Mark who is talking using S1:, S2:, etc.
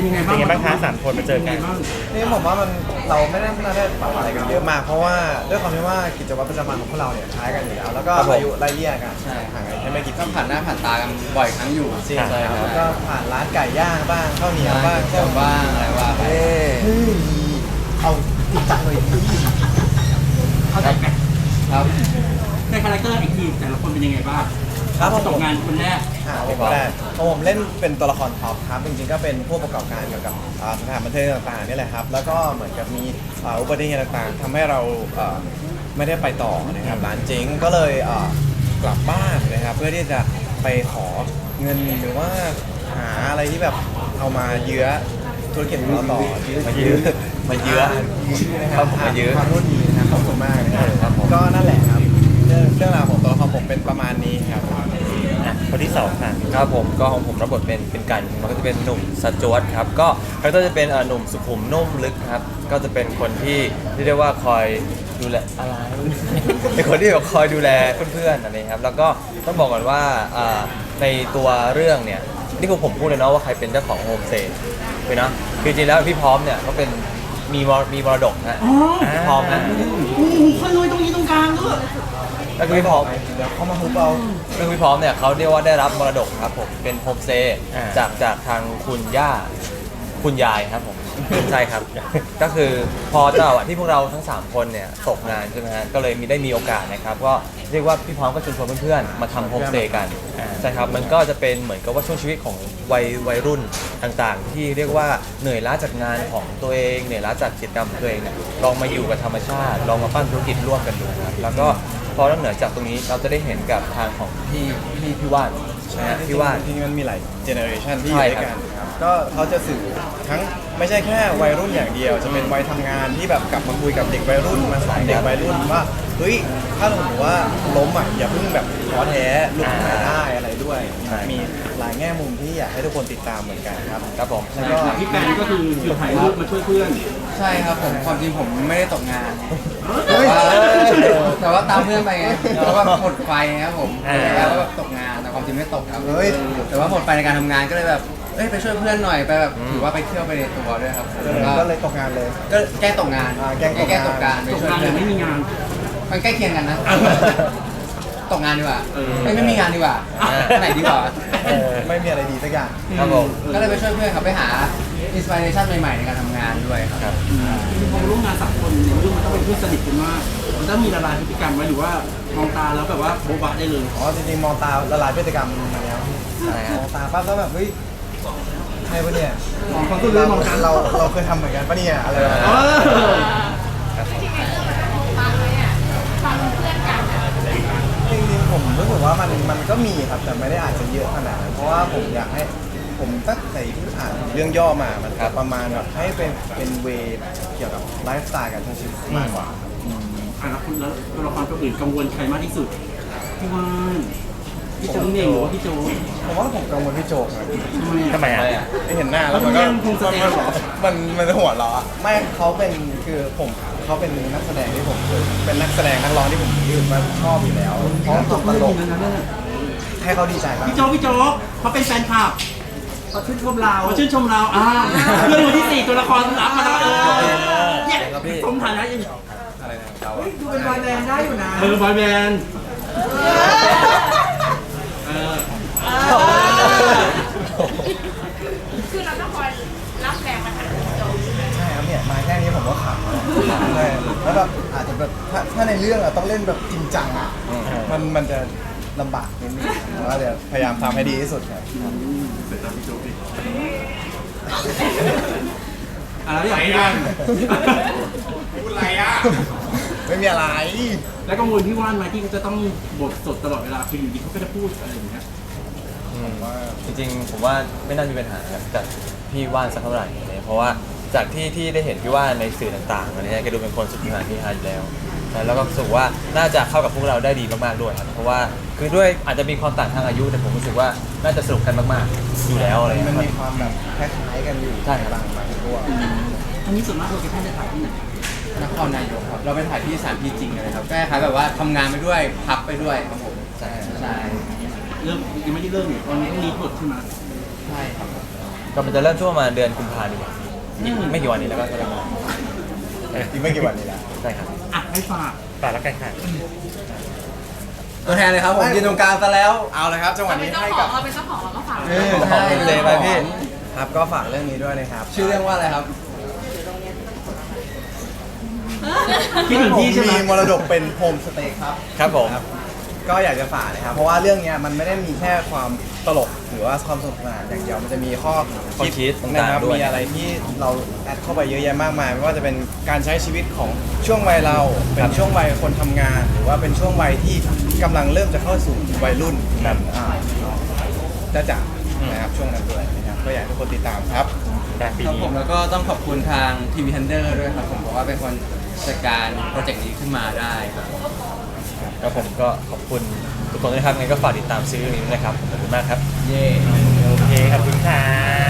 S1: ยังไง
S2: เป็นไงบ้างคะสามคนมาเจอกัน
S3: นี่ผมว่ามันเราไม่ได้ปรับอะไรกันเยอะมากเพราะว่าด้วยความที่ว่ากิจวัตรประจำวันของพวกเราเนี่ยคล้ายกันอยู่แล้วแล้วก็อายุไล่เลี่ยกันห่างกันแค่ไม่กี่
S4: ก็
S3: ปี
S4: ผ่านหน้าผ่านตากันบ่อยครั้งอยู่
S3: จริงครับแล้วก็ผ่านร้านไก่ย่างบ้างข้าวเหนียวบ้าง
S4: เจอบ้างอะไรว่าไป
S3: เอาจริงจังเลย
S1: เข้าใจไหม
S4: ครับ
S1: ในคาแรคเตอร์ไอทีแต่ละคนเป็นยังไงบ้าง
S3: ครับ
S1: ตกงานคนแรก
S3: ผมก็ได้ผมเล่นเป็นตัวละครท็อปครับจริงๆก็เป็นผู้ประกอบการเกี่ยวกับสถานบันเทิงต่างๆนี่แหละครับแล้วก็เหมือนกับมีอุบัติเหตุต่างๆทำให้เราไม่ได้ไปต่อนะครับร้านเจ๊งก็เลยกลับบ้านนะครับเพื่อที่จะไปขอเงินหรือว่าหาอะไรที่แบบเอามาเยื้อธุรกิจของเราต่อมาเยื้อนะครับมาเยื้อขอโทษทีนะครับขอบคุณมากนะครับก็นั่นแหละครับเรื่องราวของตัวละครผมเป็นประมาณนี้ครับ
S2: คนที่สองค่ะ
S5: ครับผมก็ของผมรับบทเป็นกันมันก็จะเป็นหนุ่มสจวตครับก็เขาก็จะเป็นหนุ่มสุขุมนุ่มลึกครับก็จะเป็นคนที่เรียกว่าคอยดูแลอะไร เป็นคนที่แบบคอยดูแลเพื่อนๆอะไรครับแล้วก็ต้องบอกก่อนว่าในตัวเรื่องเนี่ยนี่คือผมพูดเลยเนาะว่าใครเป็นเจ้าของโฮมสเตย์ไปเนาะคือจริงๆแล้วพี่พร้อมเนี่ยก็เป็นมีมรดกนะ
S1: อ๋อ
S5: พี่พร้อมนะ
S1: โอ้โหขโมยตรงนี้ตรงกลางด้วย
S5: ก็คือพี่พร้อม
S3: เดี๋ยวเขามาฮุบเอา
S5: ซึ่งพี่พร้อมเนี่ยเขาเรียกว่าได้รับมรดกครับผมเป็นโฮมสเตย์
S2: อ่า
S5: จากทางคุณย่าคุณยายครับผม ใช่ครับ ก็คือพอจังหวะที่พวกเราทั้ง 3 คนเนี่ยตกงานใช่ไหมฮะก็เลยได้มีโอกาสนะครับก็เรียกว่าพี่พร้อมก็ชวนเพื่อนๆมาทำโฮมสเตย์กันใช่ครับมันก็จะเป็นเหมือนกับว่าช่วงชีวิตของวัยรุ่นต่างๆ ที่เรียกว่าเหนื่อยล้าจากงานของตัวเองเหนื่อยล้าจากกิจกรรมของตัวเองเนี่ยลองมาอยู่กับธรรมชาติลองมาปั้นธุรกิจร่วมกันดูครับแล้วก็พอนอกเหนือจากตรงนี้เราจะได้เห็นกับทางของพี่ว่านนะฮะพี่ว่าน
S3: จริงๆมันมีหลายเจเนอเรชันที่อ
S5: ใช่
S3: ยู่ด้วย
S5: ครั
S3: กับ นครับก็เขาจะสื่อทั้งไม่ใช่แค่วัยรุ่นอย่างเดียว จะเป็นวัยทำงานที่แบบกลับมาคุยกับเด็กวัยรุ่นมาสอนเด็กวัยรุ่นว่าเฮ้ยถ้าสมมติว่าล้มอ่ะอย่าเพิ่งแบบท้อแท้ลุกขึ้นมาได้อะไรด้วย มีหลายแง่มุมที่อยากให้ทุกคนติดตามเหมือนกันครับ
S5: ครับผม
S3: แล้วก็
S1: พี่แปนก็คือหยุดถ่ายรูปมาช่วยเพื่อน
S4: ใช่ครับผมความจริงผมไม่ได้ตกงาน
S3: เฮ้ย
S4: แต่ว่าตามเพื่อนไปไงเพราะว่าหมดไฟครับผมแล้วก็ตกงานแต่ความจริงไม่ตกครับ
S3: เฮ้ย
S4: แต่ว่าหมดไฟในการทำงานก็เลยแบบไปช่วยเพื่อนหน่อยไปแบบถือว่าไปเที่ยวไปในตัวด้วยครับ
S3: ก็เลยตกงานเลย
S4: ก็แก้ตกงาน
S3: แก้ตกงาน
S4: ไป
S1: ตก
S4: ช่วย
S1: งานหรื
S4: เพื่อ
S1: อน ไม่มีงาน
S4: มันใกล้เคียงกันนะ ตกงานดีกว่า
S1: เออ
S4: ไม่มีงานดีกว่าไหนดีกว่า
S3: ไม่มีอะไรดีสักอย่าง
S5: ครับผม
S4: ก็เลยไปช่วยเพื่อนครับไปหาอินสปิเรชันใหม่ๆในการทำงานด้วยครับ
S1: จริงๆพอมาร่วมงาน3 คนในเรื่องมันต้องเป็นเพื่อนสนิทกันมากมันต้องมีละลายพฤติกรรมไว้หรือว่ามองตาแล้วแบบว่าโบ๊ะบะได้เลย
S3: อ๋อจริงๆมองตาละลายพฤติกรรมมาแล้ว
S5: ใช่ครับ
S3: มองตาปั๊บแล้วแบบเฮ้ยใช่ปะเนี่ย
S1: มองเขาตัวเรื่องมองกัน
S3: เราเคยทำเหมือนกันปะเนี่ยอะไรแบบ
S1: เอ
S3: นั้น
S1: อ
S3: จริงๆผมรู้สึกว่ามันก็มีครับแต่ไม่ได้อาจจะเยอะขนาดนั้นเพราะว่าผมอยากให้ผมตั้งแต่ที่อ่านเรื่องย่อมามันประมาณแบบให้เป็นเวย์เกี่ยวกับไลฟ์สไตล์การใช้ชีวิตมากกว่า
S1: แล้วคุณแล้วตัวละครตัวอื่นกังวลใครมากที่สุดพี่ว่านพี่โจ๊กเองหรือว่าพี่โจ๊ก
S3: ผมว่าผมกังวลพี่โจกนะ
S2: ทำไมอ่ะ
S3: ไม่เห็นหน้าแล้วมันก็
S1: มันคงแสดงเหรอ
S3: มันหัวเราะอะไม่เขาเป็นคือผมเขาเป็นนักแสดงที่ผมเป็นนักแสดงนักร้องที่ผมชอบอยู่แล้วเขาตกตลกให้เขาดีใจมาก
S1: พี่โจ๊กเขาเป็นแฟนคลับเขาชื่นชมเราเรื่องวันที่ 4 ตัวละครรับมาแล้วเนี่ยสมฐานะยัง
S3: อะไรนะเรา
S1: ดูเป็นบอยแบนด์ได้อยู่นะบอยแบนด์เออ
S6: คือเราต้องคอยรับแรงมาทางโจม
S3: ใช่ครับเนี่ยมาแค่นี้ผมก็ขำแล้วใช่แล้วแบบอาจจะแบบถ้าในเรื่องอะต้องเล่นแบบจริงจังอะมันจะลำบากนิดนึงแต่ว่าเดี๋ยวพยายามทำให้ดีที่สุดครับ
S1: อะไรอย่างนี้กัน
S3: พูดอะไรอ่ะไม่มีอะไร
S1: แล้วกังวลพี่ว่านไหมที่เขาจะต้องบทสดตลอดเวลาคืออยู่ดีเขาก็จะพูดอะไรอย่างเงี้ย
S3: ว่า
S5: จริงๆผมว่าไม่น่ามีปัญหากับพี่ว่านสักเท่าไหร่เลยเพราะว่าจากที่ได้เห็นพี่ว่านในสื่อต่างๆอะไรเงี้ยแกดูเป็นคนสุดที่หาที่ฮาอยู่แล้วนะแล้วก็รู้สึกว่าน่าจะเข้ากับพวกเราได้ดีมากๆด้วยครับเพราะว่าคือด้วยอาจจะมีความต่างทางอายุแต่ผมรู้สึกว่าน่าจะสนุกกันมากๆอยู่แล้วอะไรเงี้
S3: มัน
S5: ยครั
S3: มี
S5: บ
S3: ความแบบคล้ายๆกันอยู่
S5: ใช่ครับ
S3: บางตัว
S1: อันนี้ส่วนมากเราจะท่านจะถ่ายที่ไหน
S4: นครนายกครับเราไปถ่ายที่สถานที่จริงเลยครับก็คล้ายๆแบบว่าทำงานไปด้วยพักไปด้วยครับผม
S5: ใช่
S4: ใช่
S1: เริ่มยังไม่ได้เริ่มเนี่ยตอนนี้ต้องรีบทใช่ไหม
S4: ใช่ครับ
S1: อ
S5: ก็มันจะเริ่มช่วงประมาณเดือนกุมภาพันธ์อีกไม่กี่วันนี้แล้วก็เริ่ม
S3: อีกไม่กี่วันนี้แล้ว
S5: ใช่ครับ
S1: อ่ะให้ฝาก
S2: ฝากแล้วกันค่ะ
S4: ตัวแทนเลยครับผมยืนตรงกลางซะแล้ว
S3: เอาเลยครับจังหวะ
S6: เราเป็
S3: นี้
S6: นเจ้า
S3: ให้
S6: ขอ
S3: กั
S6: ง
S3: บ
S6: เราเป็นเจ้าของเราก็ฝาก
S4: เออ
S5: ขอบคุณเจไปพี่
S3: ครับก็ฝากเรื่องนี้ด้วยนะครับ
S4: ชื่อเรื่องว่าอะไรครับ
S1: คิดถึงที่ใช่ไหม
S3: มีมรดกเป็นโฮมสเตย์ครับ
S5: ครับผม
S3: ก็อยากจะฝากนะครับ เพราะว่าเรื่องเนี้ยมันไม่ได้มีแค่ความตลกหรือว่าความสนุกสนานอย่างเดียวมันจะมีข้อ
S5: ข้อคิดต่างๆ
S3: นะครับ
S5: ด้วย
S3: มีอะไรที่เราแอดเข้าไปเยอะแยะมากมาย ไม่ว่าจะเป็นการใช้ชีวิตของช่วงวัยเรา เป็นช่วงวัยคนทำงาน หรือว่าเป็นช่วงวัยที่กำลังเริ่มจะเข้าสู่วัยรุ่น
S5: ครับ
S3: จะจับนะครับช่วงนั้นด้วยนะครับก็อยากให้ทุกคนติดตามครับ
S2: แต่ปี
S4: ครับ
S2: นี้
S4: ผมแล้วก็ต้องขอบคุณทางทีวีทันเดอร์ด้วยครับผมเพราะว่าเป็นคนจัดการโปรเจกต์นี้ขึ้นมาได้ครับ
S5: แล้วผมก็ขอบคุณทุกคนด้วยนะครับงั้นก็ฝากติดตามซีรีส์นี้ด้วยนะครับขอบคุณมากครับ
S4: เย่
S2: โอเค ขอบคุณค่ะ